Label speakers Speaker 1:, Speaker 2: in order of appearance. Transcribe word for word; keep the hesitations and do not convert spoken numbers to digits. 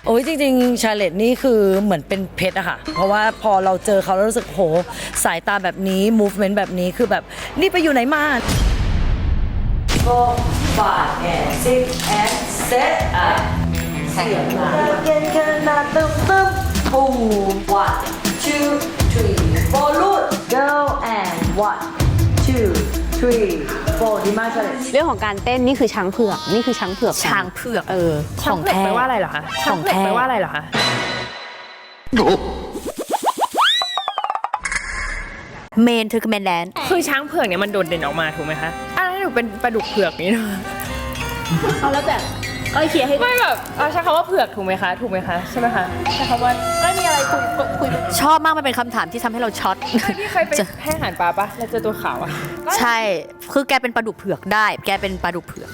Speaker 1: โอ้ยจริงๆชาเลตนี่คือเหมือนเป็นเพชรอะค่ะ เพราะว่าพอเราเจอเขาแล้วรู้สึกโหสายตาแบบนี้ movement แบบนี้คือแบบนี่ไปอยู่ไหนมาก็บาดแอนซิกแอนเซตอะเสียงมาเย็นขนาดตึ้มตึ้มปุ้ง one two three four ลูด go and one two three four ดีมากเลย
Speaker 2: เรื่องของการเต้นนี่คือช้างเผือกนี่คือช้างเผือก
Speaker 3: ช้างเผือก
Speaker 2: เออ
Speaker 3: ช้างเผือกแปลว่าอะไรเหรอคะช้างเผือกแปลว่าอะไรเหรอคะ
Speaker 4: เมนเธอคือเมนแลนด์
Speaker 3: คือช้างเผือกเนี่ยมันโดดเด่นออกมาถูกไหมคะอ่ะแล้วหนูเป็นปลาดุกเผือกนี่นะ
Speaker 2: เอาแล้วแบบก็เคลียร์ให้
Speaker 3: ไม่แบบเอาใช้คำว่าเผือกถูกไหมคะถูกไหมคะใช่ไหมคะใช้คำว่าไม่มีอะไรคุยคุย
Speaker 4: ชอบมากมันเป็นคำถามที่ทำให้เราช็อต
Speaker 3: พี่เคยไปให้อาหารปลาปะแล้วเจอตัวขาวอะ
Speaker 4: ใช่คือแกเป็นปลาดุกเผือกได้ แกเป็นปลาดุกเผือก